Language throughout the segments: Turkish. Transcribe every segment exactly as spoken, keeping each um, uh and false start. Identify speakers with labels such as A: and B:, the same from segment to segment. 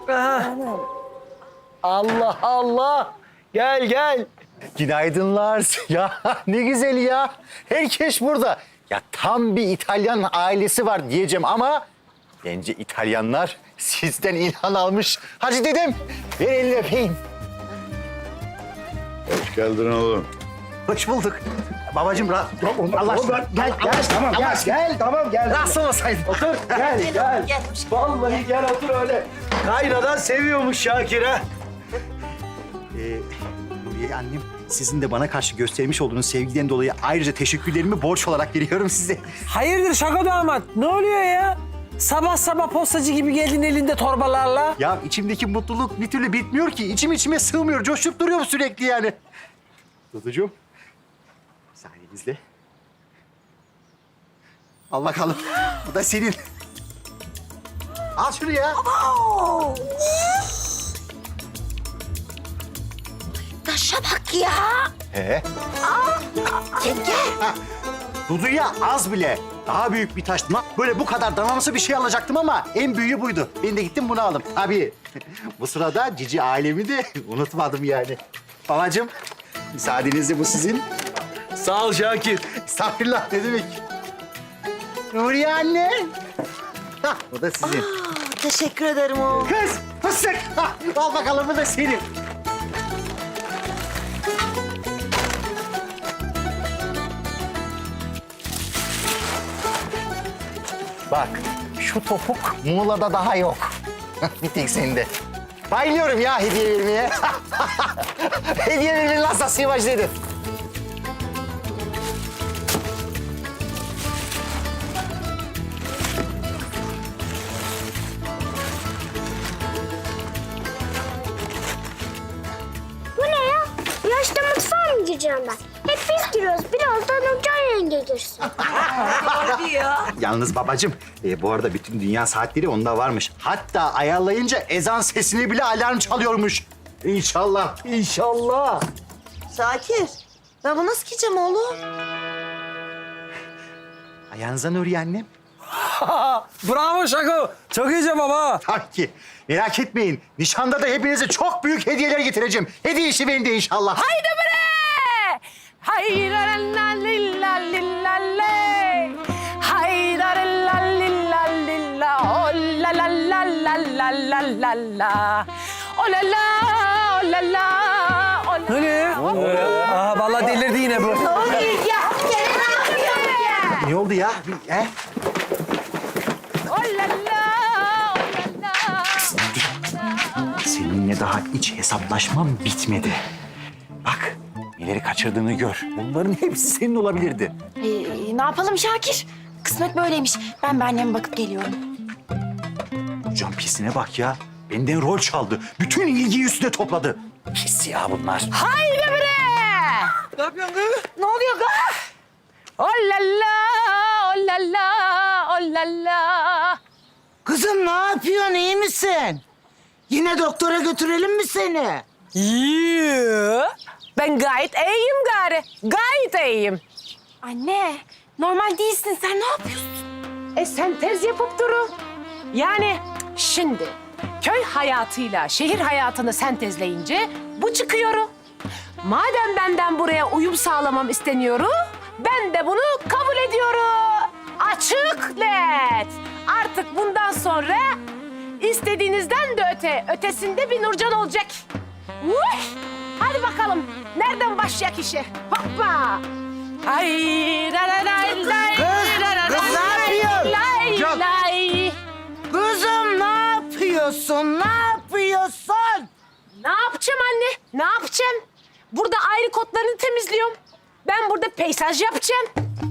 A: Aha. Allah Allah. Gel gel.
B: Günaydınlar. Ya ne güzel ya. Herkes burada. Ya tam bir İtalyan ailesi var diyeceğim ama bence İtalyanlar sizden ilham almış. Hacı dedem, ver elini öpeyim.
C: Hoş geldin oğlum.
B: Hoş bulduk. Babacığım rahat. Allah aşkına. Gel, gel.
A: Tamam gel
B: Allah
A: gel tamam gel.
B: Rahatsız olmasaydın.
A: Otur gel gel. Vallahi gel otur öyle. Kaynadan seviyormuş Şakir ha.
B: Ee, Nuriye annem, sizin de bana karşı göstermiş olduğunuz sevgiden dolayı ayrıca teşekkürlerimi borç olarak veriyorum size.
A: Hayırdır şaka damat? Ne oluyor ya? Sabah sabah postacı gibi geldin elinde torbalarla.
B: Ya içimdeki mutluluk bir türlü bitmiyor ki. İçim içime sığmıyor. Coşup duruyor sürekli yani. Duducuğum, müsaadenizle. Al bakalım. Bu da senin. Al şunu ya.
D: Taşa bak ya.
B: He.
D: Yenge.
B: Dudu'ya az bile. Daha büyük bir taş. Na- Böyle bu kadar danamsı bir şey alacaktım ama en büyüğü buydu. Ben de gittim bunu aldım. Tabii. Bu sırada cici ailemi de unutmadım yani. Babacığım, müsaadenizle bu sizin.
A: Sağ ol Şakir.
B: Estağfurullah ne demek? Nuriye anne. Hah, bu da sizin.
D: Aa, teşekkür ederim oğlum.
B: Kız, fıstık. Hah, al bakalım bu da senin. Bak, şu topuk Muğla'da daha yok. Bir tek sende. Bayılıyorum ya hediye vermeye. Hediye vermenin hassasıyım başladı.
E: Bu ne ya? Yaşta mutfağa mı gireceğim ben? Hep biz giriyoruz. Birazdan Nurcan yenge girsin.
B: Yalnız babacığım, e, bu arada bütün dünya saatleri onda varmış. Hatta ayarlayınca ezan sesini bile alarm çalıyormuş. İnşallah.
A: İnşallah.
D: Şakir, ben bunu nasıl giyeceğim oğlum?
B: Ayağınıza Nuriye annem.
A: Bravo Şako. Çok iyice baba.
B: Tabii ki. Merak etmeyin. Nişanda da hepinize çok büyük hediyeler getireceğim. Hediye işi bende inşallah.
F: Haydi bre! Haydar la lilla lilla le. Haydar la lilla lilla. Oh la la la la la la la la. Oh la la, oh la la, oh la
A: Ne oluyor? Aa vallahi delirdi yine bu.
D: Ne oluyor ya?
B: Ne oldu ya? He?
F: Oh la la, oh la la.
B: Seninle daha iç hesaplaşmam bitmedi. Bak, neleri kaçırdığını gör. Bunların hepsi senin olabilirdi.
D: Ee, ne yapalım Şakir? Kısmet böyleymiş. Ben bir anneme bakıp geliyorum.
B: Can pisine bak ya. Benden rol çaldı. Bütün ilgiyi üstüne topladı. Pis ya bunlar.
F: Haydi bre!
A: Ne yapıyorsun kız?
D: Ne oluyor ga?
F: Oh la la, oh la la, oh la la.
G: Kızım ne yapıyorsun, iyi misin? Yine doktora götürelim mi seni?
F: Yoo, ben gayet iyiyim gari. Gayet iyiyim.
D: Anne, normal değilsin. Sen ne yapıyorsun?
F: E sentez yapıp durun. Yani şimdi köy hayatıyla şehir hayatını sentezleyince bu çıkıyor. Madem benden buraya uyum sağlamam isteniyor, ben de bunu kabul ediyorum. Açık net. Artık bundan sonra istediğinizden de öte, ötesinde bir Nurcan olacak. Uy! Hadi bakalım. Nereden başlayak işe? Hoppa! Ay, la la la lay,
G: Kız,
F: la la
G: kız ne
F: lay,
G: yapıyorsun?
F: lay,
G: Yok.
F: lay.
G: Kızım ne yapıyorsun, ne yapıyorsun?
F: Ne yapacağım anne? Ne yapacağım? Burada ayrı kotlarını temizliyorum. Ben burada peyzaj yapacağım.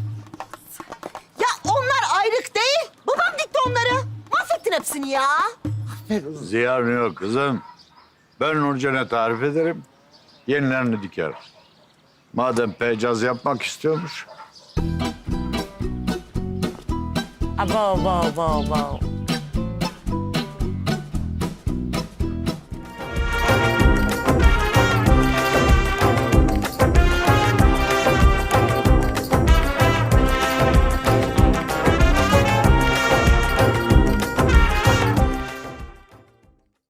D: Ya onlar ayrık değil. Babam dikti onları. Mahvettin hepsini ya.
C: Ziyan yok kızım. Ben Nurcan'a tarif ederim. Yenilerini diker. Madem pecaz yapmak istiyormuş.
F: Abo, abo, abo, abo.